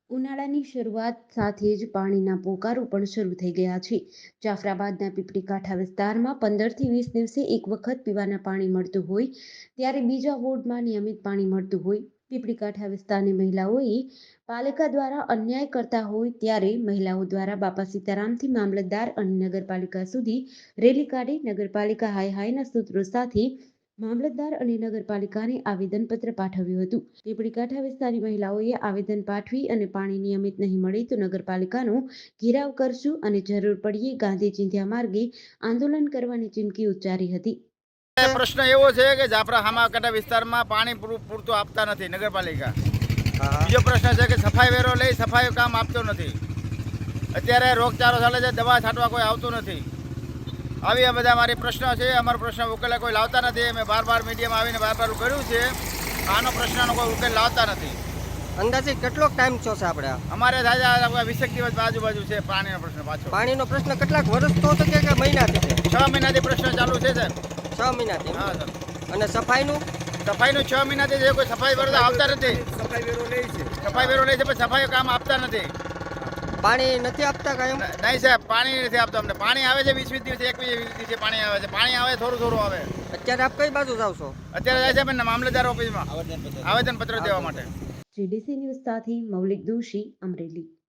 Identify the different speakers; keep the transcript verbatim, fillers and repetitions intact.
Speaker 1: ઉનાળાની શરૂઆત સાથે જ પાણીના પોકારો પણ શરૂ થઈ ગયા છે. જાફરાબાદના પીપળી કાંઠા વિસ્તારમાં પંદરથી વીસ દિવસે એક વખત પીવાના પાણી મળતું હોય, ત્યારે બીજા વોર્ડમાં નિયમિત પાણી મળતું હોય. પીપળી કાંઠા વિસ્તારની મહિલાઓએ પાલિકા દ્વારા અન્યાય કરતા હોય ત્યારે મહિલાઓ દ્વારા બાપા સીતારામથી મામલતદાર અને નગરપાલિકા સુધી રેલી કાઢી નગરપાલિકા હાય હાયના સૂત્રો સાથે મામલતદાર અને નગરપાલિકાને આવેદનપત્ર પાઠવ્યું હતું. પીપળી કાંઠા વિસ્તારની મહિલાઓએ આવેદન પાઠવી અને પાણી નિયમિત નહીં મળે તો નગરપાલિકાનો ઘેરાવ કરશું અને જરૂર પડીએ ગાંધી ચિંધ્યા માર્ગે આંદોલન કરવાની ચીમકી ઉચ્ચારી હતી.
Speaker 2: પ્રશ્ન એવો છે કે જાફરા હામાકાંઠા વિસ્તારમાં પાણી પૂરતું આપતા નથી નગરપાલિકા. બીજો પ્રશ્ન છે કે સફાઈ વેરો લઈ સફાઈ કામ આપતો નથી. અત્યારે રોગચાળો ચાલે છે, દવા છાંટવા કોઈ આવતું નથી. આવી આ બધા મારી પ્રશ્નો છે. અમારો પ્રશ્ન ઉકેલે કોઈ લાવતા નથી. અમે બાર બાર મીડિયામાં આવીને બાર બાર કર્યું છે. આનો પ્રશ્નનો કોઈ ઉકેલ લાવતા નથી.
Speaker 3: અંદાજે કેટલો ટાઈમ છો છે આપણે?
Speaker 2: અમારે થાય વીસેક દિવસ આજુબાજુ છે પાણીનો પ્રશ્ન. પાછો
Speaker 3: પાણીનો પ્રશ્ન કેટલાક વર્ષ તો છે કે મહિનાથી છે?
Speaker 2: છ મહિનાથી પ્રશ્ન ચાલુ છે સાહેબ.
Speaker 3: છ મહિનાથી?
Speaker 2: હા સર.
Speaker 3: અને સફાઈનું?
Speaker 2: સફાઈનું છ મહિનાથી છે, કોઈ સફાઈ વેરો આવતા નથી.
Speaker 3: સફાઈ વેરો લે છે.
Speaker 2: સફાઈ વેરો લે છે પણ સફાઈ કામ આપતા નથી.
Speaker 3: પાણી નથી આપતા કાયમ?
Speaker 2: નહીં સાહેબ, પાણી નથી આપતા અમને. પાણી આવે છે વીસ વીસ દિવસે, એકવીસ વીસ દિવસે પાણી આવે છે. પાણી આવે થોડું થોડું આવે.
Speaker 3: અત્યારે આપ કઈ બાજુ જાવ છો?
Speaker 2: અત્યારે જાય છે મામલતદાર ઓફિસમાં આવેદન પત્ર દેવા માટે.
Speaker 1: જીડીસી ન્યૂઝ સાથે મૌલિક દોશી, અમરેલી.